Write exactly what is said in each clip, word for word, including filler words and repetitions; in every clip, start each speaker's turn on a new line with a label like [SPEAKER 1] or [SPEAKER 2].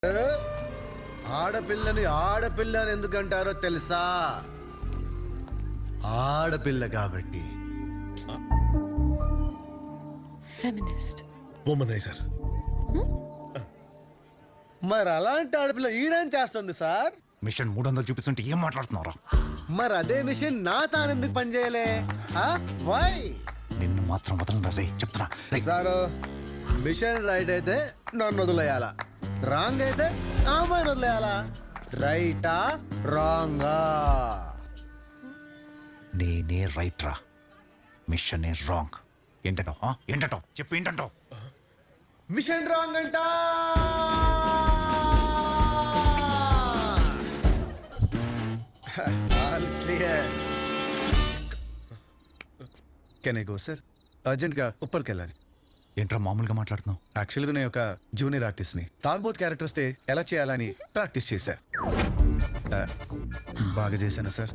[SPEAKER 1] ఆడపిల్లని ఆడపిల్ల అని ఎందుకంటారో తెలుసా? ఆడపిల్ల కాబట్టి.
[SPEAKER 2] Feminist,
[SPEAKER 3] womaniser.
[SPEAKER 1] మరి అలాంటి ఆడపిల్ల ఈడేం చేస్తుంది సార్?
[SPEAKER 4] మిషన్ మూడు వందలు చూపిస్తుంటే ఏం మాట్లాడుతున్నారా?
[SPEAKER 1] మరి అదే మిషన్ నా తానెందుకు పనిచేయలే? వై?
[SPEAKER 4] నిన్ను మాత్రం వదలరా రే, చెప్తున్నా.
[SPEAKER 1] సారు, మిషన్ రైట్ అయితే నన్ను వదిలేయాలా, రాంగ్ అయితే అమ్మాయిని వదిలేయాలా? రైటా రాంగా?
[SPEAKER 4] నేనే రైట్ రా, మిషన్ ఏ రాంగ్. ఏంటంటావు? ఏంటంటావు చెప్పు, ఏంటంటావు?
[SPEAKER 1] మిషన్ రాంగ్ అంట. All clear. Can I go sir? అర్జెంట్గా ఉప్పర్కి వెళ్ళాలి.
[SPEAKER 4] ఏంట్రా మామూలుగా మాట్లాడుతున్నావు?
[SPEAKER 1] యాక్చువల్గా నేను ఒక జూనియర్ ఆర్టిస్ట్ని. తాగుబోత్ క్యారెక్టర్ వస్తే ఎలా చేయాలని ప్రాక్టీస్ చేశా. బాగా చేశాను సార్.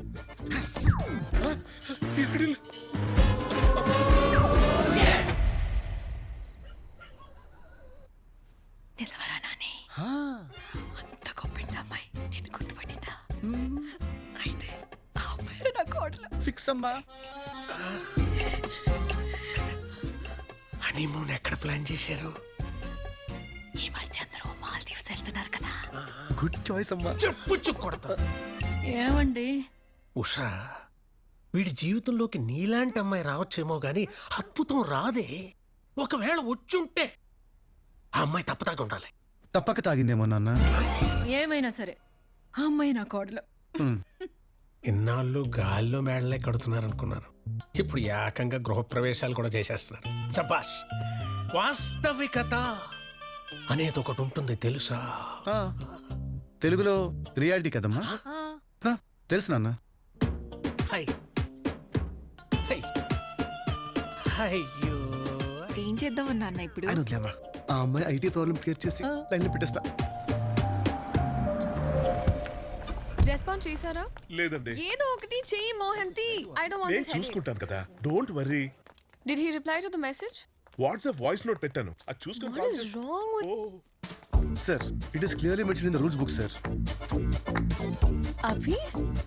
[SPEAKER 2] నిజవరా నాని? అంత గొప్ప అమ్మాయి నేను గుర్తుపట్టిందా? అయితే ఆ అమ్మాయి నా కోడలు.
[SPEAKER 1] ఫిక్స్ అమ్మా.
[SPEAKER 3] హనీమూన్ ఎక్కడ ప్లాన్ చేశారు?
[SPEAKER 2] ఈ మధ్య అందరూ మాల్దీవ్స్ వెళ్తున్నారు కదా.
[SPEAKER 1] గుడ్ చాయిస్ అమ్మా.
[SPEAKER 3] చెప్పు కొడతా.
[SPEAKER 2] ఏమండి
[SPEAKER 3] ఉషా, వీడి జీవితంలోకి నీలాంటి అమ్మాయి రావచ్చేమో గాని అద్భుతం రాదే. ఒకవేళ వచ్చుంటే ఆ అమ్మాయి తప్పదాకా ఉండాలి.
[SPEAKER 1] తప్పక తాగిందేమో నాన్న.
[SPEAKER 2] ఏమైనా సరే ఆ అమ్మాయి నా కోడలు.
[SPEAKER 3] ఇన్నాళ్ళు గాల్లో మేడలే కడుతున్నారు అనుకున్నాను, ఇప్పుడు ఏకంగా గృహప్రవేశాలు కూడా చేసేస్తున్నారు. సబాష్. వాస్తవికత అనేది ఒకటి ఉంటుంది తెలుసా?
[SPEAKER 1] తెలుగులో రియాలిటీ కదమ్మా. తెలుసు నాన్న.
[SPEAKER 3] హై హై అయ్యో,
[SPEAKER 2] ఏం చేద్దామన్నా అన్న ఇప్పుడు?
[SPEAKER 1] ఆయన వదిలేమ్మా. ఆ అమ్మాయి ఐటీ ప్రాబ్లం క్లియర్ చేసి లైన్లో పెట్టేస్తా.
[SPEAKER 5] రెస్పాన్స్ చేశారా?
[SPEAKER 3] లేదండి.
[SPEAKER 5] ఏదో ఒకటి చెయ్యి మోహంతి. ఐ డోంట్ వాంట్
[SPEAKER 6] నేను
[SPEAKER 5] దిస్ హెడేక్.
[SPEAKER 6] చూసుకుంటాను కదా, don't worry.
[SPEAKER 5] Did he reply to the message?
[SPEAKER 6] WhatsApp voice note పెట్టాను, అది చూసుకొని
[SPEAKER 5] What
[SPEAKER 6] కాల్
[SPEAKER 5] is
[SPEAKER 6] చేయి.
[SPEAKER 5] wrong with
[SPEAKER 6] oh,
[SPEAKER 1] sir, it is clearly mention in the rules book sir.
[SPEAKER 5] Abhi?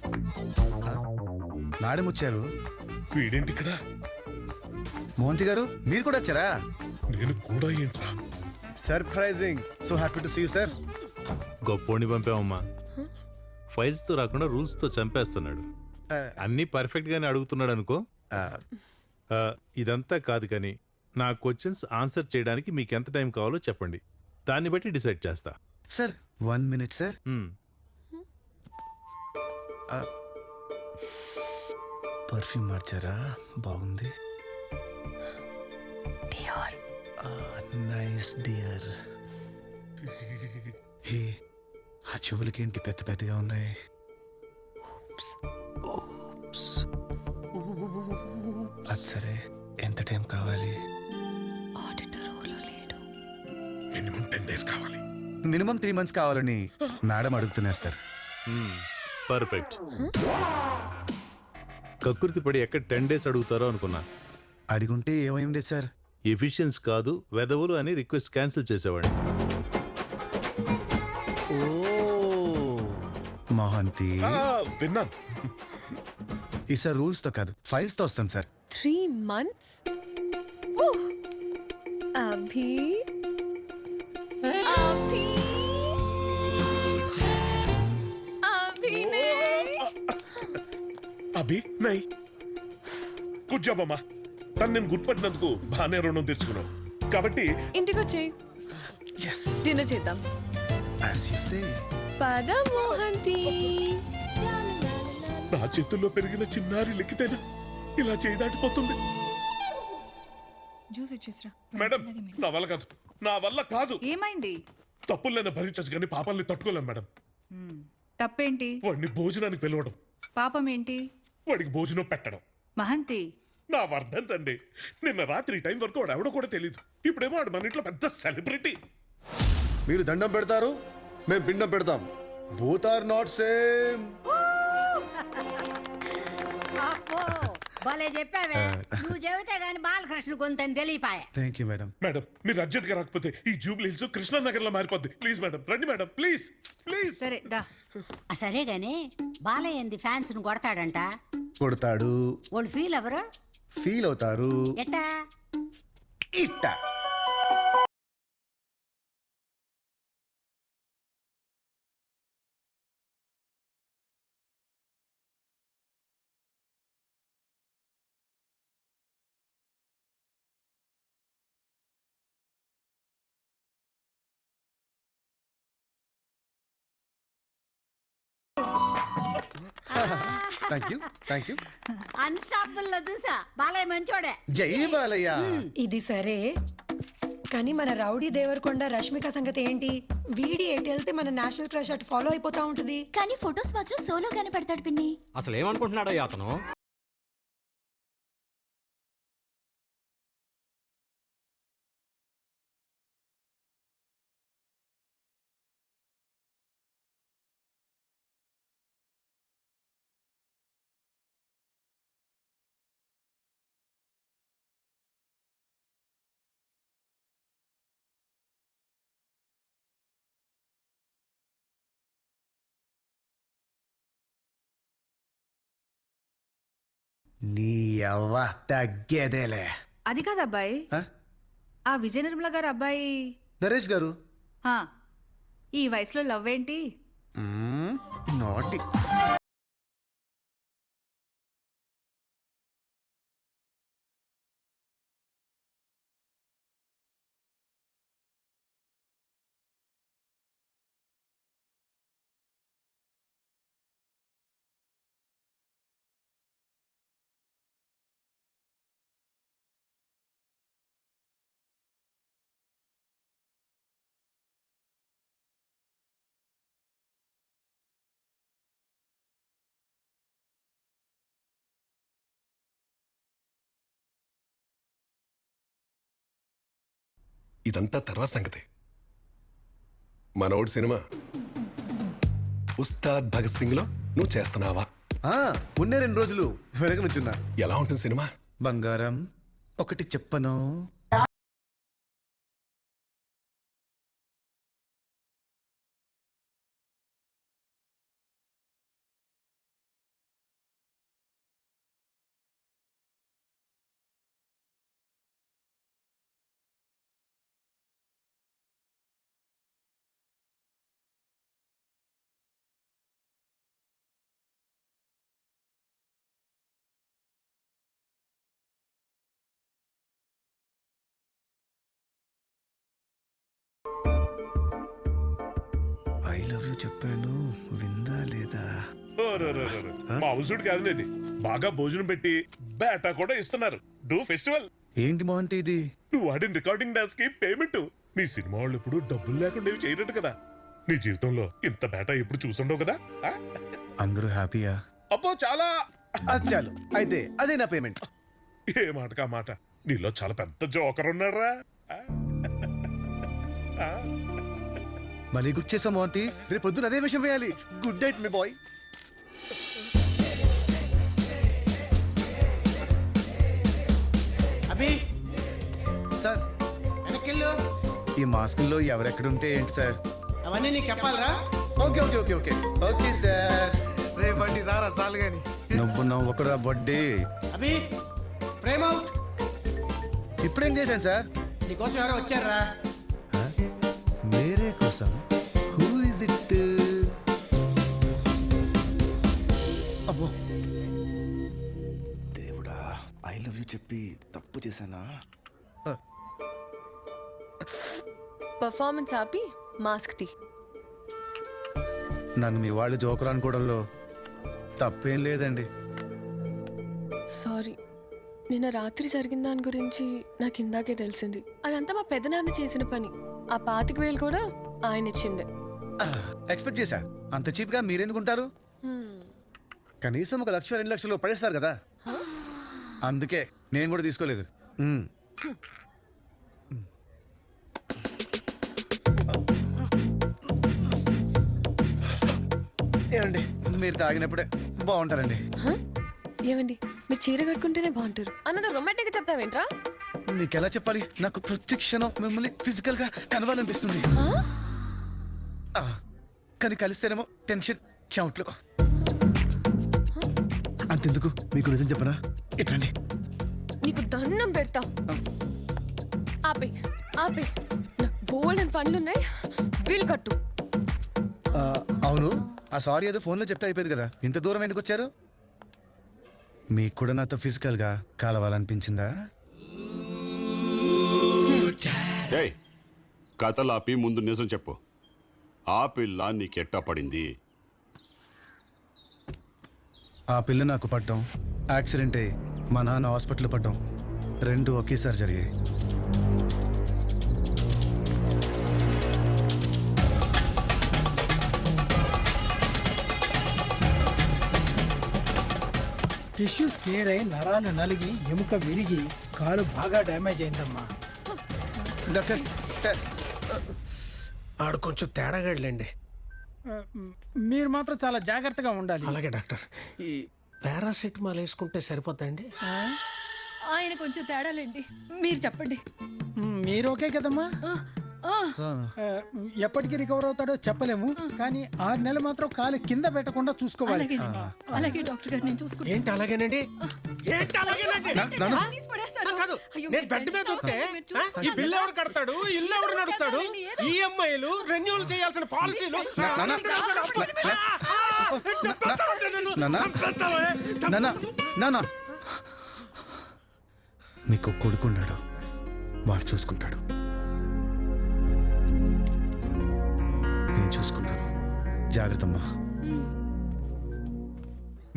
[SPEAKER 1] Madam వచ్చారు.
[SPEAKER 6] వీడేంటి ఇక్కడ?
[SPEAKER 1] మోహంతి గారు మీరు కూడా వచ్చారా?
[SPEAKER 6] నేను కూడా ఏంట్రా?
[SPEAKER 1] Surprising. So happy to see you sir.
[SPEAKER 7] గొప్పోడిని పంపామమ్మా. ఫైల్స్ తో రాకుండా రూల్స్ తో చంపేస్తున్నాడు. అన్ని పర్ఫెక్ట్ గానే అడుగుతున్నాడు అనుకో. ఆ, ఇదంతా కాదు కానీ నా క్వశ్చన్స్ ఆన్సర్ చేయడానికి మీకు ఎంత టైం కావాలో చెప్పండి, దాన్ని బట్టి డిసైడ్ చేస్తా.
[SPEAKER 1] Sir one minute sir. Perfume మార్చారా? బాగుంది.
[SPEAKER 2] డియోర్.
[SPEAKER 1] Nice dear. హే, ఆ చెవులకి ఏంటి పెద్ద పెద్దగా ఉన్నాయి? అది సరే, ఎంత టైం కావాలి?
[SPEAKER 2] ఆడిటర్ ఊళ్ళో లేడు.
[SPEAKER 6] మినిమం టెన్ డేస్ కావాలి.
[SPEAKER 1] మినిమం త్రీ మంత్స్ కావాలని మేడం అడుగుతున్నారు సార్.
[SPEAKER 7] పర్ఫెక్ట్. కకృతి పడి ఎక్కడ టెన్ డేస్ అడుగుతారో అనుకున్నా.
[SPEAKER 1] అడిగుంటే ఏమైంది సార్?
[SPEAKER 7] ఎఫిషియన్స్ కాదు వెదవులు అని రిక్వెస్ట్ క్యాన్సిల్ చేసేవాడిని.
[SPEAKER 1] ఓ మోహంతి,
[SPEAKER 6] ఆ, విన్నాను.
[SPEAKER 1] ఈసారి రూల్స్ తో కాదు ఫైల్స్ తో వస్తాం sir.
[SPEAKER 5] Three months? Woo! Abhi? Abhi? Abhi ne?
[SPEAKER 6] అభి నై. గుడ్ జాబ్ అమ్మా. తను నేను గుర్తుపట్టినందుకు బాగానే రుణం తెచ్చుకున్నావు కాబట్టి
[SPEAKER 5] ఇంటికి వచ్చేయ్.
[SPEAKER 1] yes
[SPEAKER 5] డిన్నర్ చేద్దాం.
[SPEAKER 1] as you say.
[SPEAKER 5] పద మోహంతి.
[SPEAKER 6] నా చేతుల్లో పెరిగిన చిన్నారి లెక్కితేనా ఇలా చేయి దాటిపోతుంది.
[SPEAKER 8] జ్యూస్ ఇచ్చేసిరా.
[SPEAKER 6] మేడం, నా వల్ల కాదు, నా వల్ల కాదు.
[SPEAKER 8] ఏమైంది?
[SPEAKER 6] తప్పులైనా భరించచ్చు కానీ పాపాలని తట్టుకోలేను మేడం.
[SPEAKER 8] తప్పేంటి?
[SPEAKER 6] వాడిని భోజనానికి పిలవడం,
[SPEAKER 8] పాపం ఏంటి?
[SPEAKER 6] వాడికి భోజనం పెట్టడం.
[SPEAKER 8] మహంతి,
[SPEAKER 6] నా వర్ధంతండి. నిన్న రాత్రి ఈ టైం వరకు వాడు ఎవడో కూడా తెలియదు. ఇప్పుడేమో వాడు మన ఇంట్లో పెద్ద సెలబ్రిటీ.
[SPEAKER 1] మీరు దండం పెడతారు, మేము పిండం పెడతాం. Both are not same.
[SPEAKER 9] భలే చెప్పావే. నువ్వు చెబితే గాని బాలకృష్ణ కొంత తెలియపాయ.
[SPEAKER 1] Thank you madam.
[SPEAKER 6] మేడం మీరు అర్జెంట్ గా రాకపోతే ఈ జూబ్లీ హిల్స్ కృష్ణానగర్ లో మారిపోద్ది. ప్లీజ్ మేడం రండి మేడం ప్లీజ్ ప్లీజ్.
[SPEAKER 8] సరే దా.
[SPEAKER 9] ఆ, సరే గాని బాలయ్య ఏంది ఫ్యాన్స్ ను కొడతాడంట.
[SPEAKER 1] కొడతాడు,
[SPEAKER 9] వాళ్ళు ఫీల్ ఎవరు
[SPEAKER 1] ఫీల్ అవుతారు.
[SPEAKER 9] ఎట్టా?
[SPEAKER 1] ఇట్ట thank you thank you.
[SPEAKER 9] Unstoppable లో చూసా బాలయ్య మంచోడే.
[SPEAKER 1] జై బాలయ్య.
[SPEAKER 10] ఇది సరే కానీ మన రౌడీ దేవరకొండ రష్మిక సంగతి ఏంటి? వీడి ఎటు వెళ్తే మన నేషనల్ క్రష్ అటు ఫాలో అయిపోతా ఉంటది.
[SPEAKER 2] కానీ ఫొటోస్ మాత్రం సోలోగానే పెడతాడు పిన్ని.
[SPEAKER 11] అసలు ఏమనుకుంటున్నాడో అతను?
[SPEAKER 1] నీ అవ్వ తగ్గేదేలే.
[SPEAKER 8] అది కాదు అబ్బాయి,
[SPEAKER 1] ఆ?
[SPEAKER 8] ఆ విజయ నిర్మల గారు అబ్బాయి.
[SPEAKER 1] నరేష్ గారు.
[SPEAKER 8] ఆ, ఈ వయసులో లవ్ ఏంటి?
[SPEAKER 1] మ్మ్, నాటి.
[SPEAKER 12] ఇదంతా తర్వాత సంగతి. మనోడు సినిమా ఉస్తాద్ భగత్ సింగ్ లో నువ్వు చేస్తున్నావా?
[SPEAKER 1] ఆ, ఉన్నే రెండు రోజులు వెరగనుచున్నా.
[SPEAKER 12] ఎలా ఉంటుంది సినిమా?
[SPEAKER 1] బంగారం ఒకటి చెప్పను. ఐ లవ్ యూ చెప్పాను, విందా లేదా?
[SPEAKER 6] మామూలుసుడు కాదులేదు, బాగా భోజనం పెట్టి బేటా కూడా ఇస్తున్నారు. డూ ఫెస్టివల్.
[SPEAKER 1] ఏంటి మోహంతి ఇది?
[SPEAKER 6] నువ్వు ఆడిన రికార్డింగ్ డాన్స్ కి పేమెంట్. నీ సినిమా వాళ్ళు ఇప్పుడు డబ్బులు లేకుండా ఇవి చేయనట్టు కదా. నీ జీవితంలో ఇంత బేటా ఎప్పుడు చూసుండవు కదా. ఆ?
[SPEAKER 1] అందరూ హ్యాపీయా?
[SPEAKER 6] అబ్బో చాలా.
[SPEAKER 1] అది చాలు, అయితే అదే నా పేమెంట్.
[SPEAKER 6] ఏ మాట కా మాట, నీలో చాలా పెద్ద జోకర్ ఉన్నారా.
[SPEAKER 1] మళ్ళీ గుర్తు చేసాం మోహంతి, రేపు పొద్దున అదే విషయం వేయాలి. గుడ్ నైట్ మీ బాయ్.
[SPEAKER 11] అభి
[SPEAKER 1] సార్,
[SPEAKER 11] వెనకెళ్ళు.
[SPEAKER 1] ఈ మాస్కుల్లో ఎవరెక్కడుంటే ఏంటి సార్?
[SPEAKER 11] అవన్నీ నీకు చెప్పాలరా?
[SPEAKER 1] Okay okay okay okay okay sir.
[SPEAKER 11] రేపటి రారా సాలు గాని.
[SPEAKER 1] నువ్వు నవ్వకురా బడ్డీ.
[SPEAKER 11] Abhi frame out.
[SPEAKER 1] ఇప్పుడేం చేశాను సార్?
[SPEAKER 11] నీకోసం ఎవరో వచ్చారా?
[SPEAKER 1] మేరే కోసం. Who is it? అబ్బో దేవుడా, ఐ లవ్ యూ చెప్పి తప్పు చేశానా?
[SPEAKER 5] పర్ఫార్మెన్స్ ఆపి మాస్క్ తీ.
[SPEAKER 1] నన్ను మీ వాళ్ళు జోకర్ అనుకోవడంలో తప్పేం లేదండి.
[SPEAKER 5] సారీ, నిన్న రాత్రి జరిగిన దాని గురించి నాకు ఇందాకే తెలిసింది. అదంతా మా పెదనాన్న చేసిన పని. ఆ పాతిక వేలు కూడా ఆయన ఇచ్చిందే.
[SPEAKER 1] ఎక్స్పెక్ట్ చేశా. అంత చీప్ గా మీరెందుకుంటారు? కనీసం ఒక లక్ష రెండు లక్షలు పడేస్తారు కదా, అందుకే నేను కూడా తీసుకోలేదు. మ్మ్. ఏమండి, మీరు తాగినప్పుడే బాగుంటారండి.
[SPEAKER 5] ఏమండి మీరు చీర కట్టుకుంటేనే బాగుంటారు అన్నది రొమాంటిక్ చెప్తావేంట్రా?
[SPEAKER 1] నీకు ఎలా చెప్పాలి? నాకు ప్రతి క్షణం మిమ్మల్ని ఫిజికల్ గా కలవాలనిపిస్తుంది. ఆ, కానీ కలిస్తేనేమో టెన్షన్ చెమట్లు. అంతెందుకు, మీకు నిజం చెప్పనా? ఇట్లండి,
[SPEAKER 5] నీకు దండం పెడతా. ఆపే ఆపే, నాకు బోల్డెన్ పనులున్నాయి, వీలు కట్టు.
[SPEAKER 1] ఆ, అవును, ఆ సారీ ఏదో ఫోన్లో చెప్తే అయిపోయింది కదా, ఇంత దూరం ఎందుకు వచ్చారు? మీకు కూడా నాతో ఫిజికల్ గా కలవాలనిపించిందా?
[SPEAKER 13] ఏయ్, కథలాపి ముందు నిజం చెప్పు. ఆ పిల్ల నీకెట్టా పడింది?
[SPEAKER 1] ఆ పిల్ల నాకు పడ్డం, యాక్సిడెంట్ అయ్యి మా నాన్న హాస్పిటల్ పడ్డం, రెండు ఒకేసారి జరిగాయి.
[SPEAKER 11] టిష్యూస్ టేర్ అయి నరాలు నలిగి ఎముక విరిగి కాలు బాగా డ్యామేజ్ అయిందమ్మా.
[SPEAKER 1] డాక్టర్,
[SPEAKER 3] ఆడు కొంచెం తేడాగాడులేండి.
[SPEAKER 11] మీరు మాత్రం చాలా జాగ్రత్తగా ఉండాలి.
[SPEAKER 3] అలాగే డాక్టర్. ఈ పారాసిటమాల్ వేసుకుంటే సరిపోతాయండి?
[SPEAKER 2] ఆయన కొంచెం తేడాలండి, మీరు చెప్పండి.
[SPEAKER 11] మీరు ఓకే కదమ్మా? ఆ, ఎప్పటికి రికవర్ అవుతాడో చెప్పలేము, కానీ ఆరు నెలలు మాత్రం కాలు కింద పెట్టకుండా చూసుకోవాలి.
[SPEAKER 2] అలాగే డాక్టర్ గారు, నేను చూసుకుంటాను.
[SPEAKER 3] ఏంటి అలాగేనండి? ఏంటి అలాగేనండి? కాదు, నేను బెడ్ మీద ఉంటే ఈ బిల్లు ఎవరు కడతాడు, ఇల్లు ఎవరు నడుపుతాడు, ఈఎంఐలు రెన్యూల్ చేయాల్సిన పాలసీలు.
[SPEAKER 1] మీకు కొడుకున్నాడు, వాడు చూసుకుంటాడు. నేను చూసుకుంటాను. జాగ్రత్త అమ్మా.